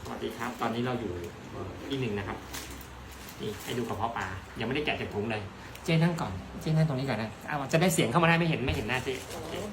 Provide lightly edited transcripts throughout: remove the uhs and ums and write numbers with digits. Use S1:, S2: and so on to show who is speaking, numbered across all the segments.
S1: สวัสดีครับตอนนี้เราอยู่ที่หนึ่งนะครับนี่ให้ดูกระเพาะปลายังไม่ได้แกะจากถุงเลยเจ๊นั่งก่อนเจ๊นั่งตรงนี้ก่อนนะเอาจะได้เสียงเข้ามาได้ไม่เห็นหน้าเจ๊โอเค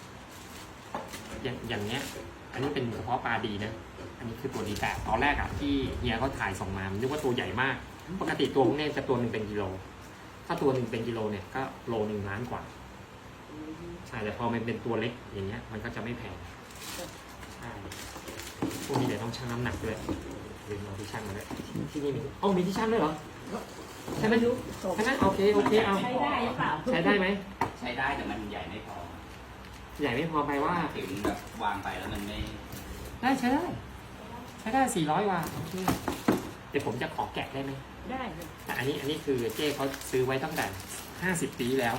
S1: อย่างเนี้ยอันนี้เป็นกระเพาะปลาดีนะอันนี้คือตัวดีแต่ตอนแรกอะที่เฮียเขาถ่ายส่งมานึกว่าตัวใหญ่มากปกติตัวพวกนี้จะตัวหนึ่งเป็นกิโลถ้าตัวหนึ่งเป็นกิโลเนี่ยก็โล1 ล้านกว่าใช่แต่พอมันเป็นตัวเล็กอย่างเงี้ยมันก็จะไม่แพงใช่พวกนี้เดี๋ยวต้องชั่งน้ำหนักด้วยลืมเอาที่ชั่งมาด้วยที่นี่มีมีที่ชั่งด้วยเหรอใช่ไหมยุใช่ไหมโอเคเอา
S2: ใช้ได้หรือเปล่า
S1: ใช้ได้ไหม
S3: ใช้ได้แต่มันใหญ่ไม่พอ
S1: ใหญ่ไม่พอไปว่า
S3: ถึงแบบวางไปแล้วมันไม่
S1: ได้ใช้ได้400 ว่าโอเคเดี๋ยวผมจะขอแกะได้ไหม
S2: ได้เลย
S1: แต่อันนี้คือเจ้เขาซื้อไว้ตั้งแต่50 ปีแล้ว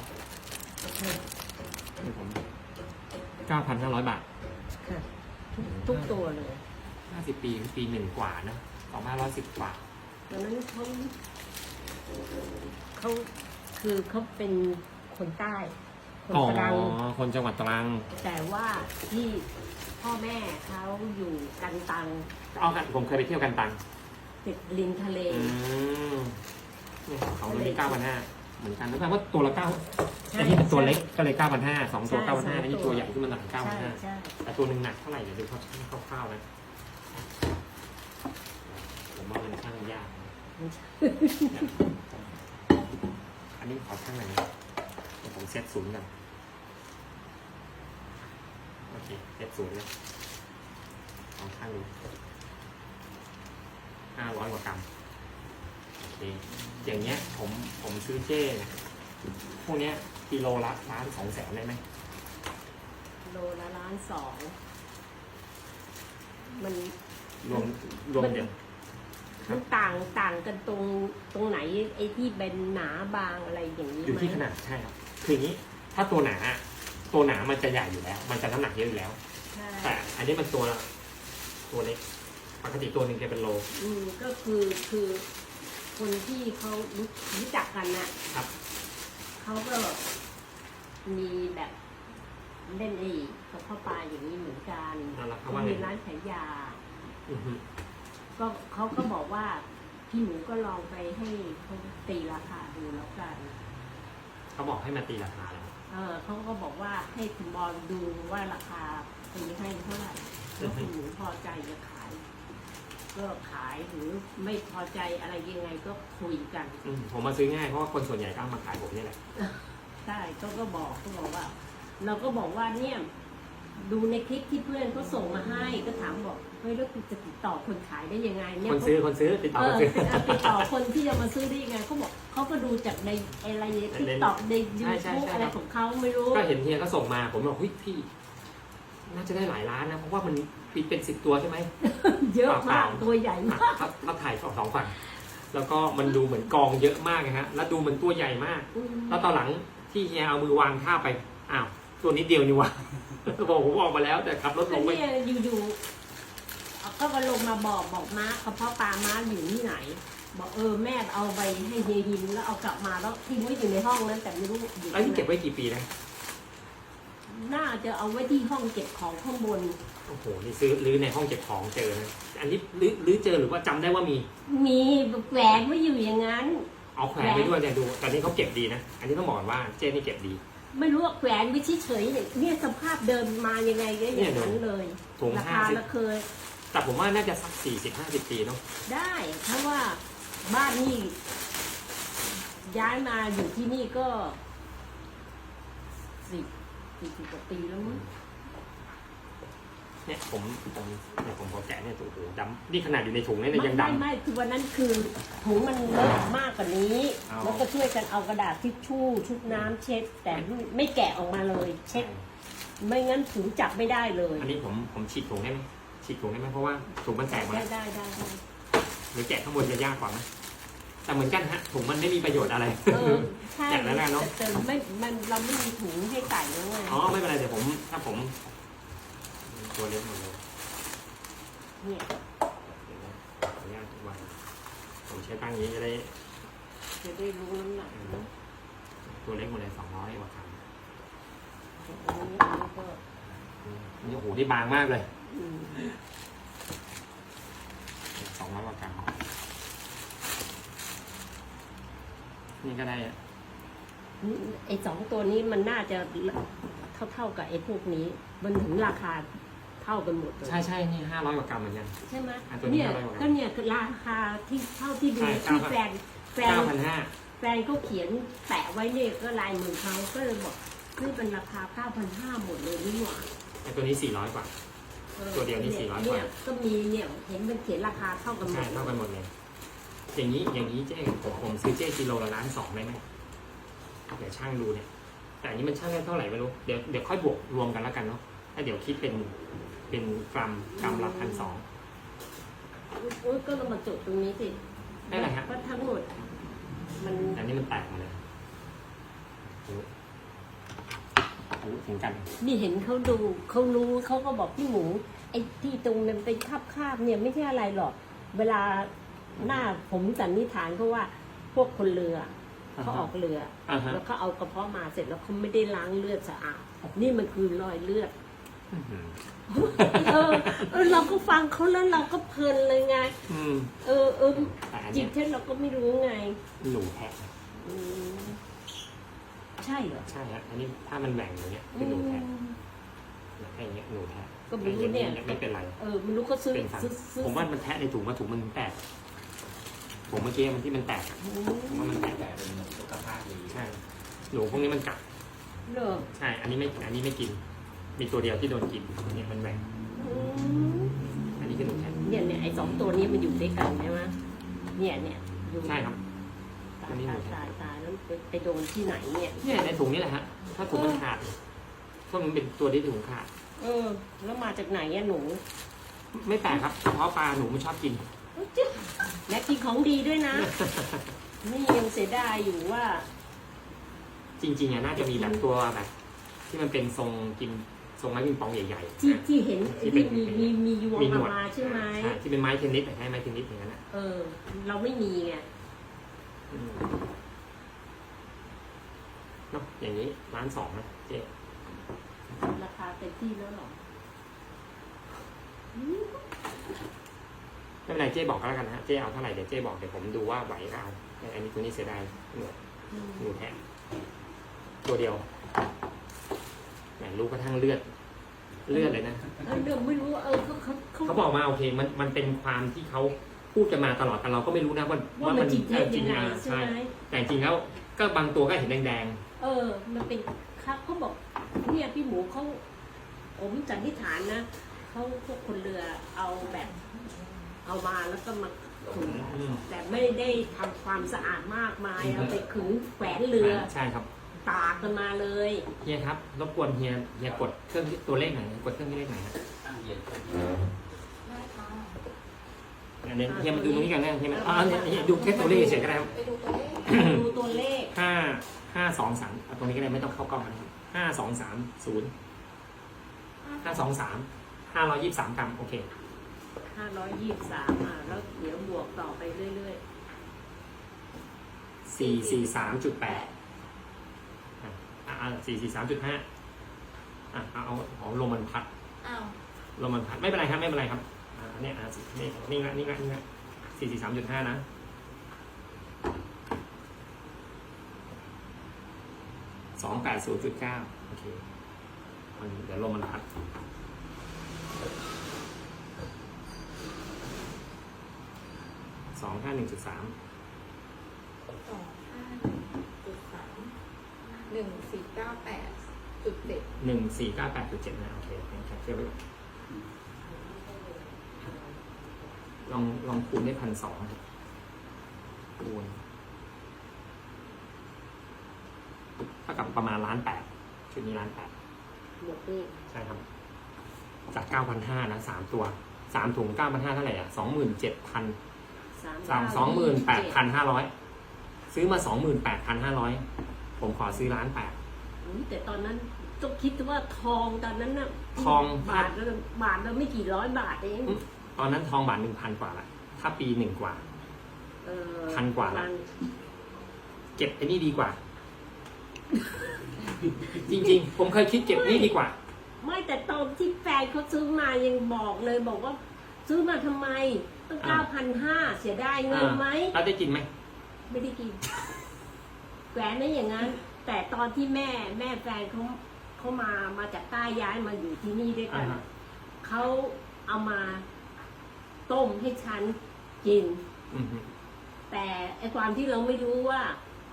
S1: นี่ผม 9,500 บาท
S2: ค่ะทุกตัวเลย
S1: 50 ปีคือปี1 กว่านะ2510 กว่า
S2: ตอนนั้นเขาคือเขาเป็นคนใต้คนตรัง
S1: คนจังหวัดตรัง
S2: แต่ว่าที่พ่อแม่เขาอยู่กันตัง
S1: ผมเคยไปเที่ยวกันตัง
S2: ติดริมทะเล
S1: เนี่ยของตัวนี้9,500เหมือนกันแล้วแปลว่าตัวละ9ไอ้ที่เป็นตัวเล็กก็เลย9,500 2 ตัว 9,500นี่ตัวใหญ่ขึ้นมาหน่อย9,500แต่ตัวหนึ่งหนักเท่าไหร่เดี๋ยวดูเขาช่างคร่าวๆนะผมว่ามันช่างยากอันนี้ขอช่างหน่อยนะผมเซตศูนย์กันโอเคเซตศูนย์เลยลองช่างดู500 กว่ากรัมโอเคอย่างเงี้ยผมซื้อเจ้พวกเนี้ยกิโลละ1,200,000ได้ไหม
S2: โลละ1,200,000มัน
S1: รวมเดี๋ยว
S2: มันต่างกันตรงไหนไอ้ที่เป็นหนาบางอะไรอย่างนี้
S1: อยู่ที่ขนาดใช่ครับคืออย่างนี้ถ้าตัวหนามันจะใหญ่อยู่แล้วมันจะน้ำหนักเยอะอยู่แล้วแต่อันนี้มันตัวเล็กปกติตัวหนึ่งจะเป็นโล
S2: ก็คือคนที่เขารู้จักกันนะครับเขาก็มีแบบเล่นกับข้าวปลาอย่างนี้เหมือนกันเขามีร้านขายยาก็เขาก็บอกว่าพี่หนูก็ลองไปให้เขาตีราคาดูแล้วกัน
S1: เขาบอกให้มาตีราคาแล้ว
S2: เขาก็บอกว่าให้คุณบอลดูว่าราคาตีให้เท่าไหร่แล้วคุณหนูพอใจจะขายก็ขายหรือไม่พอใจอะไรยังไงก็คุยกัน
S1: ผมมาซื้อง่ายเพราะว่าคนส่วนใหญ่ก็มาขายผมนี่แหละ
S2: ใช่ก็บอกว่าเราก็บอกว่าเนี่ยดูในคลิปที่เพื่อนเขาส่งมาให้ก็ถามบอกเฮ้ยแล้วคุณจะติดต่อคนขายได้ยังไงเนี่ย
S1: คนซื้อติดต่อ
S2: ติดต่อคนที่จะมาซื้อได้ยังไงเขาบอกเขาก็ดูจากในอะไรทิกตอกในยูทูบอะไรของเขาไม่รู้
S1: ก็เห็นเฮียก็ส่งมาผมบอกเฮ้ยพี่น่าจะได้หลายล้านนะเพราะว่ามันเป็น10 ตัวใช่ไหม
S2: เยอะมากตัวใหญ่มาก
S1: ถ้าถ่าย2 ฝั่งแล้วก็มันดูเหมือนกองเยอะมากนะฮะแล้วดูเหมือนตัวใหญ่มากแล้วตอนหลังที่เฮียเอามือวางท่าไปอ้าวตัวนิดเดียวนี่วะบอกผมออกมาแล้วแต่ขับรถลงไป
S2: อยู่ๆก็มาลงมาบอกม้ากระเพาะปลาม้าอยู่ที่ไหนบอกแม่เอาไปให้เฮียหินแล้วเอากลับมาแล้วทิ้งไว้อยู่ในห้องนั้นแต่ไม่รู้อยู่
S1: แล้วนี่เก็บไว้กี่ปีนะ
S2: น่าจะเอาไว้ที่ห้องเก็บของข้างบน
S1: โอ้โหนี่ซื้อรื้อในห้องเก็บของเจอนะอันนี้รื้อเจอหรือว่าจำได้ว่ามี
S2: แหวนไว้อยู่อย่างนั้น
S1: เอาแขวนไว้ด้วยเนี่ยดูตอนนี้เขาเก็บดีนะอันนี้ต้องบอกว่าเจ๊นี่เก็บดี
S2: ไม่รู้ว่าแขวนไว้เฉยๆเนี่ยสภาพเดิมมายังไงก็อย่างนั้นเลยราคาละเคย
S1: แต่ผมว่าน่าจะสัก40-50 ปีเนาะ
S2: ได้เพราะว่าบ้านนี่ย้ายมาอยู่ที่นี่ก็40 กว่าปีแล้วมั้ง
S1: เนี่ยผมพอแกะเนี่ยโอ้โหดำนี่ขนาดอยู่ในถุงเนี่ยยังดำ
S2: ไม่คือวันนั้นคือถุงมันเลอะมากกว่านี้แล้วก็ช่วยกันเอากระดาษทิชชู่ชุบน้ำเช็ดแต่ไม่แกะออกมาเลยเช็ดไม่งั้นถุงจับไม่ได้เลย
S1: อันนี้ผมฉีกถุงได้ไหมเพราะว่าถุงมันแตกมา
S2: ได้
S1: หรือแกะข้างบนจะยากกว่าไหมแต่เหมือนกันฮะถุงมันไม่มีประโยชน์อะไร
S2: แกะแล้วเนาะแต่เราไม่มีถุงให้ใส่แล้วไง
S1: ไม่เป็นไรเดี๋ยวถ้าผมตัวเล็กหมดเลย
S2: เนี่ย
S1: ยากทุกวันผมใช้ตั้งนี้จะได้
S2: รู้น้ำหนัก
S1: ตัวเล็กหมดเลย200 กว่ากรัมนี่โอ้โหที่บางมากเลย 200 กว่ากรัมนี่ก็ได้อะ
S2: ไอ้สองตัวนี้มันน่าจะเท่ากับไอ้พวกนี้ มันถึงราคาเท่ากันหมดเลย
S1: ใช่นี่500 กว่ากรัมเหมือนกัน
S2: ใช่ไหม
S1: ตัวนี้
S2: เนี่ย
S1: 500 กว่า
S2: ก็เนี่ยคือราคาที่เท่าที่ดู
S1: ใช่
S2: ที่แฟน
S1: 9,500
S2: แฟนเขาเขียนแปะไว้เนี่ยก็ลายมือเขาก็เลยบอกนี่เป็นราคา 9,500 หมดเลยนี่หว่า
S1: ตัวนี้400 กว่า ตัวเดียวนี่400 กว่า
S2: เนี่ยก็มีเนี่ยเห็นมันเขียนราคาเท่ากันหม
S1: ใช่
S2: ด
S1: เท่ากันหมดเลย อย่างนี้เจ๊ผมซื้อเจ๊กิโลละ1.2 ได้ไหมเดี๋ยวช่างดูเนี่ย แต่อันนี้มันช่างได้เท่าไหร่ไม่รู้ เดี๋ยวค่อยบวกรวมกันแล้วกันเนาะแล้วเดี๋ยวคิดเป็นกรัมละ1,200
S2: โอ้ยก็เรามาจดตรงนี้สิ
S1: ได้ไหมฮะ
S2: ว่าทั้งหมดมัน
S1: อันนี้มันแตกมาเลยโอ้ถึงกัน
S2: นี่เห็นเขาดูเขารู้เขาก็บอกพี่หมูไอ้ที่ตรงนั้นเป็นคาบเนี่ยไม่ใช่อะไรหรอก เวลาหน้าผมสันนิษฐานเขาว่าพวกคนเรือเขาออกเรือ
S1: อ่าฮะ
S2: แล้วเขาเอากระเพาะมาเสร็จแล้วเขาไม่ได้ล้างเลือดสะอาดนี่มันคือรอยเลือด
S1: อื้อหือ
S2: เราก็ฟังเขาแล้วเราก็เพลินเลยไง
S1: อืม แต่อัน
S2: จิ
S1: เนี้
S2: ต
S1: ย
S2: เท็จเราก็ไม่รู้ไง
S1: หนูแทะ
S2: อืมใช่เหรอ
S1: ใช่ฮะอันนี้ถ้ามันแหว่งอย่างเงี้ยเป็นหนูแทะไอ้เงี้ยหนูแทะ
S2: ก็ไม่รู้เนี่ย
S1: ไม่เป็นไร
S2: ไม่รู้เขาซื้อ
S1: เป็นสัน
S2: ซื้อ
S1: ผมว่ามันแทะในถุงถุงมันแตก ผมเมื่อกี้มันที่มันแตกอะ
S2: อื
S1: ผมว่ามันแตก
S3: แต่เป็นสุขภาพดี
S1: ใช่ หนูพวกนี้มันกัด
S2: เหรอ
S1: ใช่ อันนี้ไม่กิน มีตัวเดียวที่โดนกินเนี่ยมันแหว่ง
S2: อืม
S1: อันนี้คือหนูแทะ
S2: เนี่ยไอ้สองตัวนี้มันอยู่ด้วยกันใช่ไหมเนี่ยอยู่
S1: ใช่ครับ
S2: ตา
S1: อัน
S2: ย
S1: นี้หนูแทะ
S2: ตายแล้วไปโดนที่ไหนเนี่ย
S1: เนี่ยในถุงนี่แหละฮะ ถ้าถุงมันขาดเพราะมันเป็นตัวที่ถุงขาด
S2: แล้วมาจากไหนอะหนู
S1: ไม่แปลกครับเพราะปลาหนูไม่ชอบกิน
S2: และกินของดีด้วยนะ นี่ยังเสียดายอยู่ว่า
S1: จริงๆอะน่าจะมีแบบตัวแบบ ที่มันเป็นทรงกินทรงไม้ปิงปองใหญ่ๆ
S2: ที่เห็น
S1: ที่เป็
S2: ที่
S1: น
S2: มียวง
S1: มีหน
S2: ออ
S1: ว
S2: ก
S1: ด
S2: มาใช่ไหม
S1: ใช่ที่เป็นไม้เทนนิสให้ไม้เทนนิสอย่างนั้นอะ
S2: เราไม่มีไง
S1: อืมเนาะอย่างนี้1,200,000นะเจ๊
S2: ราคาเต็มที่แล้วหรอ
S1: ไม่เป็นไรเจ๊บอกก็แล้วกันนะฮะเจ๊เอาเท่าไหร่เดี๋ยวเจ๊บอกเดี๋ยวผมดูว่าไหวก็เอาแต่อันนี้ตัวนี้เสียดายหนูแทะตัวเดียวแหมรู้กระทั่งเลือดเลยนะ
S2: เรื่องไม่รู้เขา
S1: เขาบอกมาโอเคมันเป็นความที่เขาพูดกันมาตลอดแต่เราก็ไม่รู้นะว่า
S2: ว่ามันจิตเทศ
S1: จริ
S2: ยัง งไง
S1: อ่ะ
S2: ใช่ไหม
S1: แต่จริงแล้วก็บางตัวก็เห็นแดง
S2: มันเป็นครับเขาบอกเนี่ยพี่หมูเขาผมสันนิษฐานนะเขาพวกคนเรือเอาแบบ เอามาแล้วก็มาขึง
S1: ๆอืม
S2: แต่ไม่ได้ทำความสะอาดมากมายเอาไปขึงแขวนเรือ
S1: ใช่ครับ
S2: ตากกันมาเลย
S1: เฮียครับรบกวนเฮียกดเครื่องที่ตัวเลขไหนกดเครื่องที่เลขไหนฮะ
S3: ตั้งเย็น
S4: ได้ค่ะ
S1: อันนี้เฮียมาดูตรงนี้กันนะเฮียมาเนี่ยดูแค่ตัวเลขเฉยก็ได้ครับ
S4: ไปดูตัวเลข
S2: ดูตัวเลข
S1: 523เอาตรงนี้ก็ได้ไม่ต้องเข้ากล้องนะครับ5230 523 กรัมโอเค
S2: 523แล้วเดี๋ยวบวกต่อไปเรื่อย
S1: 443.8 443.5เอาลมมันพัด
S4: อ้าว
S1: ลมมันพัดไม่เป็นไรครับไม่เป็นไรครับเนี่ยนี่ละ443.5 นะ280.9โอเคเดี๋ยวลมมันพัด251.3
S4: 251.3 1498.7
S1: 1498.7นะโอเคแคปเจอร์ไว้ก่อนลองคูณได้1,200ครับคูณเท่ากับประมาณ1,800,000ชุดนี้1,800,000
S2: ๆหมดนี่
S1: ใช่ครับจาก 9,500 นะ3ตัว3ถุง 9,500 เท่าไหร่อ่ะ 28,500 ซื้อมา 28,500 ผมขอซื้อ1,800,000
S2: แต่ตอนนั้นต้องคิดว่าทองตอนนั้นน่ะ
S1: ทอง
S2: บาทละไม่กี่ร้อยบาทเอง
S1: ตอนนั้นทองบาท 1,000 กว่าละถ้าปี1กว่า 1,000 กว่าละ เก็บไอ้นี่ดีกว่า จริงๆ ผมเคยคิดเก็บนี่ดีกว่า
S2: ไม่แต่ตอนที่แฟนเขาซื้อมายังบอกเลยบอกว่าซื้อมาทำไมตั้ง9,500เสียดายเงินไหม
S1: แล้วได้กินไหม
S2: ไม่ได้กินแหวนไม่อย่างนั้น แต่ตอนที่แม่แฟนเขามาจากใต้ย้ายมาอยู่ที่นี่ด้วยกันเขาเอามาต้มให้ฉันกิน
S1: อืม
S2: แต่ไอความที่เราไม่รู้ว่า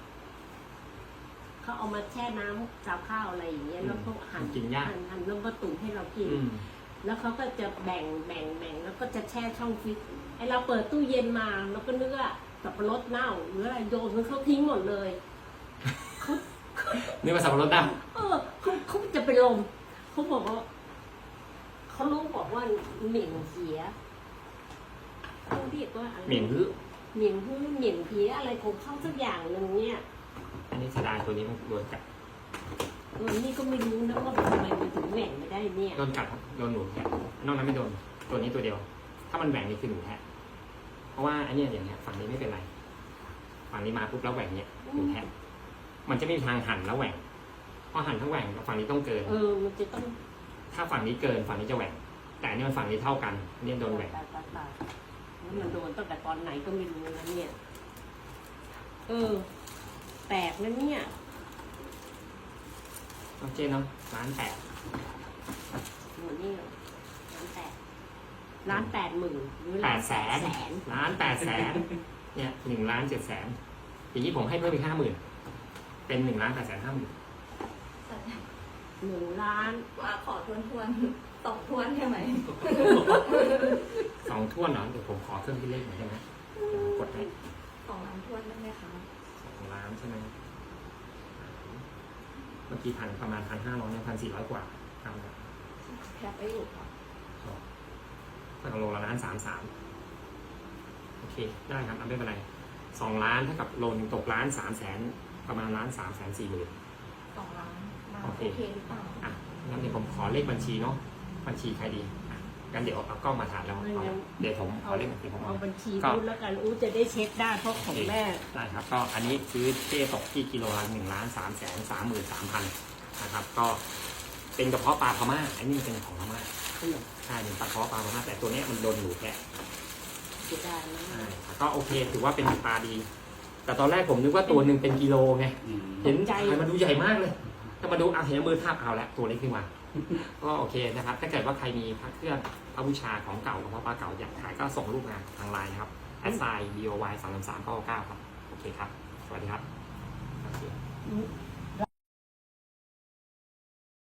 S2: เขาเอามาแช่น้ำกับข้าวอะไรอย่างเงี้ยแล้วเขาหั่น
S1: กินยาก
S2: หั่นแล้วก็ตุ๋นให้เรากิน
S1: อืม
S2: แล้วเขาก็จะแบ่งแล้วก็จะแช่ช่องฟิตไอเราเปิดตู้เย็นมาเราก็นึกว่าสับปะรดเน่าหรืออะไรโยนมันเขาทิ้งหมดเลยเขา
S1: นึกว่าสับปะรดได้
S2: เขาจะไปลมเขาบอกว่าเขารู้บอกว่าเหม็นเสียเขาเรียกว่าอะไร
S1: เหม็นหื้อ
S2: เหม็นหื้อเหม็นเพี้ยอะไรของเขาสักอย่างหนึ่งเนี่ย
S1: อันนี้เสียดายตัวนี้มันโดนกัด
S2: นี่ก็ไม่รู้นะว่าทำไมมันถึงแหว่งไม่ได้เนี่ย
S1: โดนกัดครับโดนหนูแทะนอกนั้นไม่โดนตัวนี้ตัวเดียว ถ้ามันแหว่งนี่คือหนูแทะเพราะว่าอันเนี้ยอย่างเงี้ยฝั่งนี้ไม่เป็นไรฝั่งนี้มาปุ๊บแล้วแหว่งเนี้ยหนูแทะมันจะไม่มีทางหั่นแล้วแหว่งเพราะหั่นทั้งแหว่งฝั่งนี้ต้องเกิน
S2: มันจะต้อง
S1: ถ้าฝั่งนี้เกินฝั่งนี้จะแหว่งแต่อันนี้มันฝั่งนี้เท่ากันอันนี้โดนแหว่ง
S2: ตายแล้วมันโดนตั้งแต่ตอนไหนก็ไม่รู้นะเนี่ยแปลกนะเนี่ย
S1: โอเคเนาะ1,800,000
S2: หนูนี่1,800,000หรือ
S1: 800,000 1,800,000เนี่ย1,700,000อย่างนี้ผมให้เพิ่มอีก50,000เป็น1,850,000
S2: 1,000,000
S4: ว่าขอทวนตกทวนใช่ไหม
S1: 2ถ้วนเหรอเดี๋ยวผมขอเครื่องคิดเลขหน่อยได้ไหมกดให้
S4: 2 ล้านทวนได้ไหมคะ
S1: 2 ล้านใช่ไหมเมื่อกี้ประมาณ1,500เนี่ย1,400 กว่าครับ
S4: แคปไปอยู่ค่ะ
S1: ถ้ากับโลละ1,33,000โอเคได้ครับไม่เป็นไร2 ล้านเท่ากับโลนึงตก1,300,000ประมาณ1,340,000
S4: 2 ล้านมา
S1: โอ
S4: โอ
S1: เค
S4: เคหรือเปล่า
S1: อ่ะงั้นเดี๋ยวผมขอเลขบัญชีเนาะบัญชีใครดีอ่ะงั้นเดี๋ยวเอากล้องมาถ่ายแล้วเดี๋ยวผมขอเลขบัญชีผม
S2: เอาบัญชีพูดแล้วกันจะได้เช็คได้เพราะของแม่
S1: ได้ครับก็อันนี้ซื้อเจ๊ตกที่กิโลละ1,333,000นะครับก็เป็นกระเพาะปลาพม่าอันนี้มันเป็นของพม่าใช่เป็นกระเพาะปลาพม่าแต่ตัวเนี้ยมันโดนหนูแกะ
S2: เสียดายนะ
S1: ใช่ก็โอเคถือว่าเป็นปลาดี แต่ตอนแรกผมนึกว่าตัวหนึ่งเป็นกิโลไงเห็นใจมันดูใหญ่มากเลยถ้ามาดูเอาเห็นมือทาบเอาแล้วตัวเล็กขึ้นมาก็โอเคนะครับถ้าเกิดว่าใครมีพระเครื่องพระบูชาของเก่ากระเพาะปลาเก่าอยากขายก็ส่งรูปมาทางไลน์นะครับ@boy 333 9 9ครับโอเคครับสวัสดีครับโอเค